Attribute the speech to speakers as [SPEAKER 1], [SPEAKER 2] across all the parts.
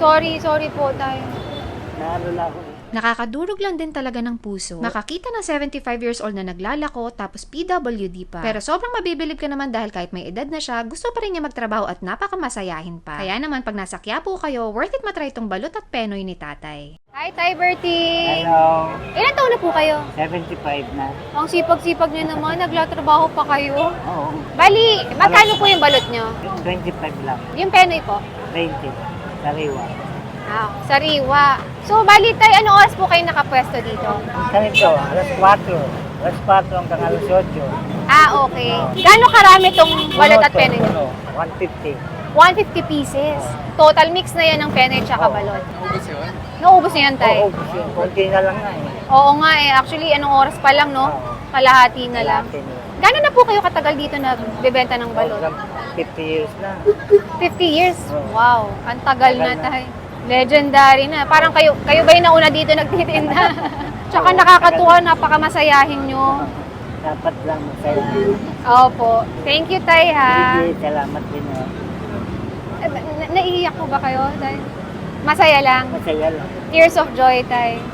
[SPEAKER 1] Sorry po tayo.
[SPEAKER 2] Naano na ako.
[SPEAKER 3] Nakakadurog lang din talaga ng puso makakita ng 75 years old na naglalako tapos PWD pa. Pero sobrang mabibilib ka naman dahil kahit may edad na siya, gusto pa rin niya magtrabaho at napakamasayahin pa. Kaya naman pag nasa Quiapo kayo, worth it matry itong balot at penoy ni tatay.
[SPEAKER 1] Hi, Tay Bertie!
[SPEAKER 2] Hello.
[SPEAKER 1] Ilan taon na po kayo?
[SPEAKER 2] 75 na.
[SPEAKER 1] Ang sipag-sipag niyo naman, naglatrabaho pa kayo.
[SPEAKER 2] Oo.
[SPEAKER 1] Bali, magkano po yung balot niyo?
[SPEAKER 2] 25 lang.
[SPEAKER 1] Yung penoy po?
[SPEAKER 2] 20. Sariwa.
[SPEAKER 1] Sariwa. So, bali tayo, anong oras po kayo nakapwesto dito?
[SPEAKER 2] Ganito, alas 4. Alas 4 hanggang alas 8.
[SPEAKER 1] Okay. Gano'ng karami tong balot at penoy niyo?
[SPEAKER 2] 150.
[SPEAKER 1] 150 pieces. Total mix na yan ng penoy tsaka
[SPEAKER 2] Oo.
[SPEAKER 1] balot. Naubos na yan, Tay?
[SPEAKER 2] Oo, kasi konti na lang nga eh.
[SPEAKER 1] Oo nga eh. Actually, anong oras pa lang, no?
[SPEAKER 2] Oo.
[SPEAKER 1] Kalahati na lang.
[SPEAKER 2] Kalahati na lang.
[SPEAKER 1] Gano'n na po kayo katagal dito nagbebenta ng balot?
[SPEAKER 2] Hanggang 50 years na.
[SPEAKER 1] 50 years?
[SPEAKER 2] Oo.
[SPEAKER 1] Wow, ang tagal na,
[SPEAKER 2] Tagal na.
[SPEAKER 1] Tay. Legendary na. Parang kayo ba yung nauna dito nagtitinda? Tsaka nakakatuwa, napakamasayahin nyo.
[SPEAKER 2] Dapat lang masaya.
[SPEAKER 1] Opo. Thank you, Tay, ha?
[SPEAKER 2] Sige, salamat din.
[SPEAKER 1] Naiiyak po ba kayo, Tay? Masaya lang.
[SPEAKER 2] Masaya lang.
[SPEAKER 1] Tears of joy, Tay.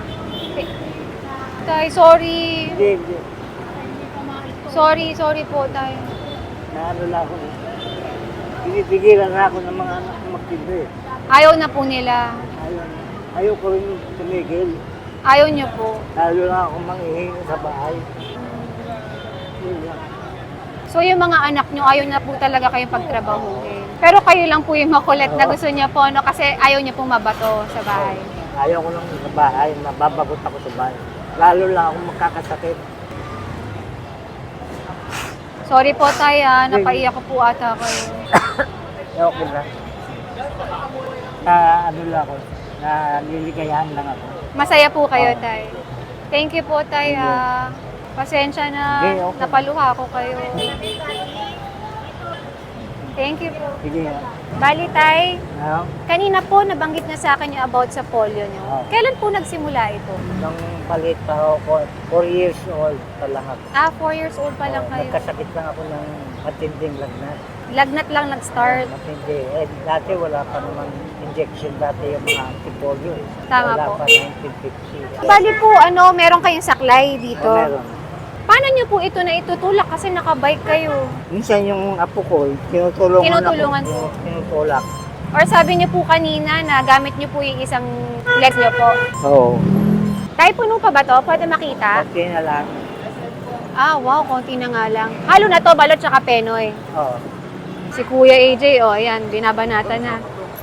[SPEAKER 1] Tay, sorry.
[SPEAKER 2] Hindi.
[SPEAKER 1] Sorry po, Tay.
[SPEAKER 2] Naano na ako. Pinipigilan na ako ng mga anak ko magtinda eh.
[SPEAKER 1] Ayaw na po nila.
[SPEAKER 2] Ayaw ko rin tumigil.
[SPEAKER 1] Ayaw niyo po.
[SPEAKER 2] Lalo na ako manghihingi sa bahay. Yun lang.
[SPEAKER 1] So yung mga anak nyo, ayaw na po talaga kayong pagtrabahuhin. Pero kayo lang po yung makulit na gusto niya po, no? Kasi ayaw niya po mabato sa bahay.
[SPEAKER 2] Ayaw ko lang sa bahay. Mababagot ako sa bahay. Lalo lang ako magkakasakit.
[SPEAKER 1] Sorry po, Tay, ha? Napaiyak ko po ata kayo.
[SPEAKER 2] Okay na. Ano lang ako. Naliligayahan lang ako.
[SPEAKER 1] Masaya po kayo, Tay. Thank you po, Tay, ha? Pasensya na,
[SPEAKER 2] Okay.
[SPEAKER 1] napaluha ko kayo. Thank you po.
[SPEAKER 2] Sige.
[SPEAKER 1] Bali, Tay,
[SPEAKER 2] Ano?
[SPEAKER 1] kanina po nabanggit na sa akin yung about sa polio nyo.
[SPEAKER 2] Oo.
[SPEAKER 1] Kailan po nagsimula ito?
[SPEAKER 2] Nung palit pa ako, 4 years old pa lang ako.
[SPEAKER 1] 4 years old pa lang kayo.
[SPEAKER 2] Nagkasakit lang ako ng matinding lagnat.
[SPEAKER 1] Lagnat lang nag-start.
[SPEAKER 2] Matindi. Eh, dati wala pa naman injection dati yung mga antipolio. Eh.
[SPEAKER 1] Tama
[SPEAKER 2] wala
[SPEAKER 1] po.
[SPEAKER 2] pa 1950.
[SPEAKER 1] Bali po, meron kayong saklay dito.
[SPEAKER 2] Meron.
[SPEAKER 1] Paano nyo po ito na itutulak kasi nakabike kayo?
[SPEAKER 2] Minsan yung apo ko,
[SPEAKER 1] Tinutulungan
[SPEAKER 2] ako.
[SPEAKER 1] po.
[SPEAKER 2] Tinutulak.
[SPEAKER 1] Or sabi nyo po kanina na gamit nyo po yung isang leg nyo po.
[SPEAKER 2] Oo.
[SPEAKER 1] Tayo puno pa ba to? Pwede makita?
[SPEAKER 2] Okay na lang.
[SPEAKER 1] Wow, konti na nga lang. Halo na to, balot tsaka penoy.
[SPEAKER 2] Oo.
[SPEAKER 1] Si Kuya AJ, ayan, binabanata na.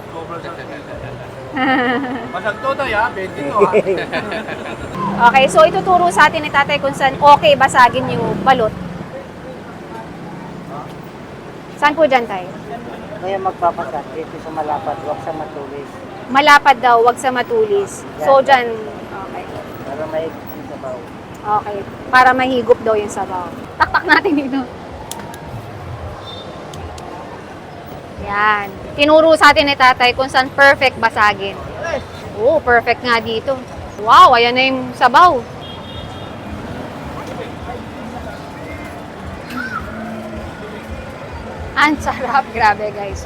[SPEAKER 4] Masag to tayo, 20 to ha.
[SPEAKER 1] Okay, so ituturo sa atin ni tatay kung saan okay basagin yung balot. Saan po dyan, tay?
[SPEAKER 2] Kaya magpapasak dito sa malapad, huwag sa matulis.
[SPEAKER 1] Malapad daw, wag sa matulis. So dyan, okay.
[SPEAKER 2] Para may sabaw.
[SPEAKER 1] Okay, para mahigop daw yung sabaw. Taktak natin dito. Yan. Tinuro sa atin ni tatay kung saan perfect basagin. Oo, perfect nga dito. Wow, ayan na yung sabaw. Ang sarap. Grabe, guys.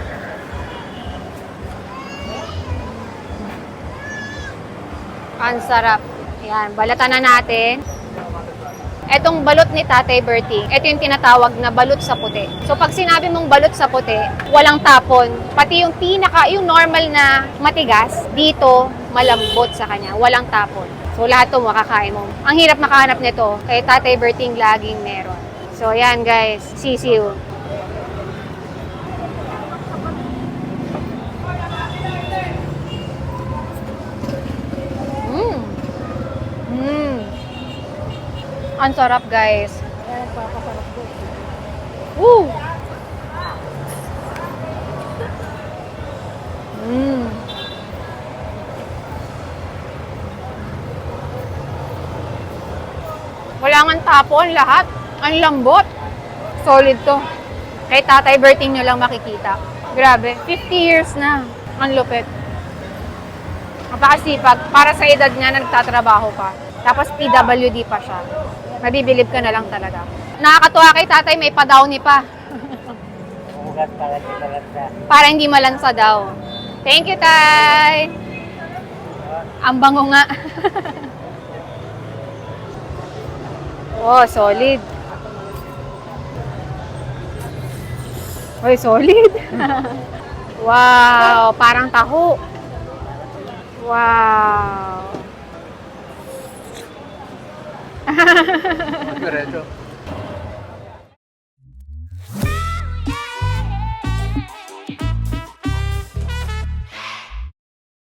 [SPEAKER 1] Ang sarap. Yan, balatan na natin. Etong balot ni Tatay Bertie, ito yung tinatawag na balot sa puti. So pag sinabi mong balot sa puti, walang tapon. Pati yung yung normal na matigas, dito malambot sa kanya, walang tapon. So lahat 'to makakain mo. Ang hirap makahanap nito, kay Tatay Bertie laging meron. So yan guys, sisiw. Ang sarap, guys. Woo! Wala nga tapon, lahat. Ang lambot. Solid to. Kay Tatay Bertie nyo lang makikita. Grabe, 50 years na. Ang lupit. Napakasipag. Para sa edad niya, nagtatrabaho pa. Tapos PWD pa siya. Mabibilib ka na lang talaga. Nakakatuwa kay tatay, may pa-downy pa.
[SPEAKER 2] Ugat para sa.
[SPEAKER 1] Para hindi malansa daw. Thank you, Tay! Ang bango nga. Oh, solid. Uy, solid. Wow, parang taho. Wow.
[SPEAKER 4] Diretso.